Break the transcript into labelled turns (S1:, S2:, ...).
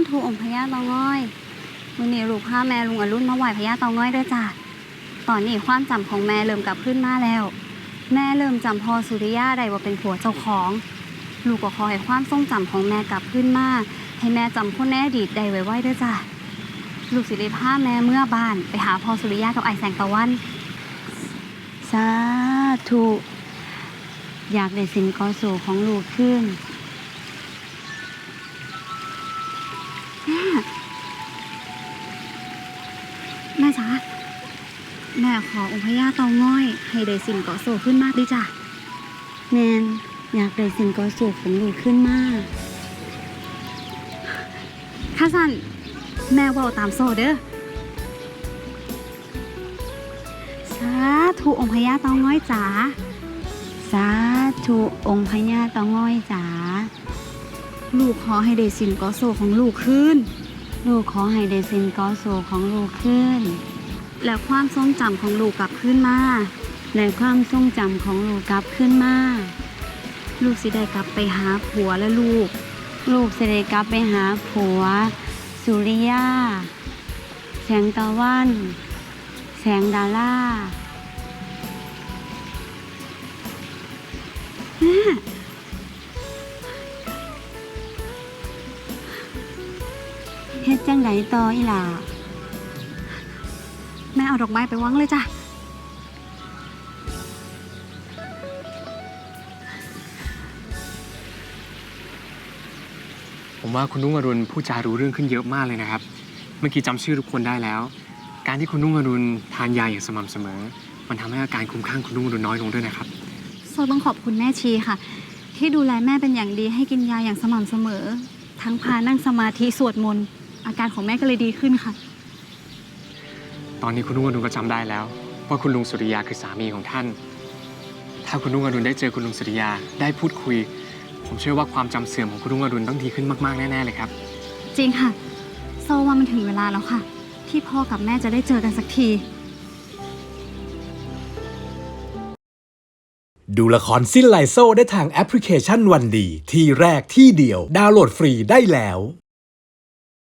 S1: ธุองค์พญาเตาง้อยมื้อนี้ลูกพาแม่ลุงอรุณมาไหว้พญาเตาง้อยด้วยจ้ะตอนนี้ความจำของแม่เริ่มกลับขึ้นมาแล้วแม่เริ่มจำพ่อสุริยะได้ว่าเป็นผัวเจ้าของลูกก็ขอให้ความทรงจำของแม่กลับขึ้นมาให้แม่จำคนในอดีตได้ไว้ด้วยจ้ะลูกสิได้พาแม่เมื่อบ้านไปหาพ่อสุริยะกับไอ้แสงตะวัน
S2: สาธุอยากได้สินกอสู่ของลูกขึ้น
S1: แม่จ๋าแม่ขอองค์พญาเตาง้อยให้ได้สินเกาะโซขึ้นมากดิจ้ะ
S2: แมนอยากได้สินกอสู่ของลูกขึ้นมาก
S1: ข้าสันแม่ว่าตามโซเด้อสาธุองค์พญาเตาง้อยจ๋า
S2: สาธุองค์พญาเตาง้อยจ๋า
S1: ลูกขอให้ได้สินเกาะโซของลูกขึ้น
S2: ลูกขอให้ได้สินกอสู่ของลูกขึ้น
S1: และความทรงจำของลูกกลับขึ้นมา
S2: และความทรงจำของลูกกลับขึ้นมา
S1: ลูกสิได้กลับไปหาผัวและลูก
S2: สิได้กลับไปหาผัวสุริยาแสงตะวันแสงดาราเฮ็ดจังไดต่ออีหล่า
S1: แม่เอาดอกไม้ไปวางเลยจ้ะ
S3: ผมว่าคุณนุ่งอรุณพูดจารู้เรื่องขึ้นเยอะมากเลยนะครับเมื่อกี้จำชื่อทุกคนได้แล้วการที่คุณนุ่งอรุณทานยาอย่างสม่ำเสมอมันทำให้อาการคลุ้มคลั่งคุณนุ่งอรุณน้อยลงด้วยนะครับ
S1: โซต้องขอบคุณแม่ชีค่ะที่ดูแลแม่เป็นอย่างดีให้กินยาอย่างสม่ำเสมอทั้งพานั่งสมาธิสวดมนต์อาการของแม่ก็เลยดีขึ้นค่ะ
S3: ตอนนี้คุณนุ่งอรุณก็จำได้แล้วว่าคุณลุงสุริยาคือสามีของท่านถ้าคุณนุ่งอรุณได้เจอคุณลุงสุริยาได้พูดคุยผมเชื่อว่าความจำเสื่อมของคุณนุ่งอรุณต้องดีขึ้นมากๆแน่ๆเลยครับ
S1: จริงค่ะโซว่ามันถึงเวลาแล้วค่ะที่พ่อกับแม่จะได้เจอกันสักที
S4: ดูละครสิ้นไลโซได้ทางแอปพลิเคชันวันดีที่แรกที่เดียวดาวน์โหลดฟรีได้แล้ว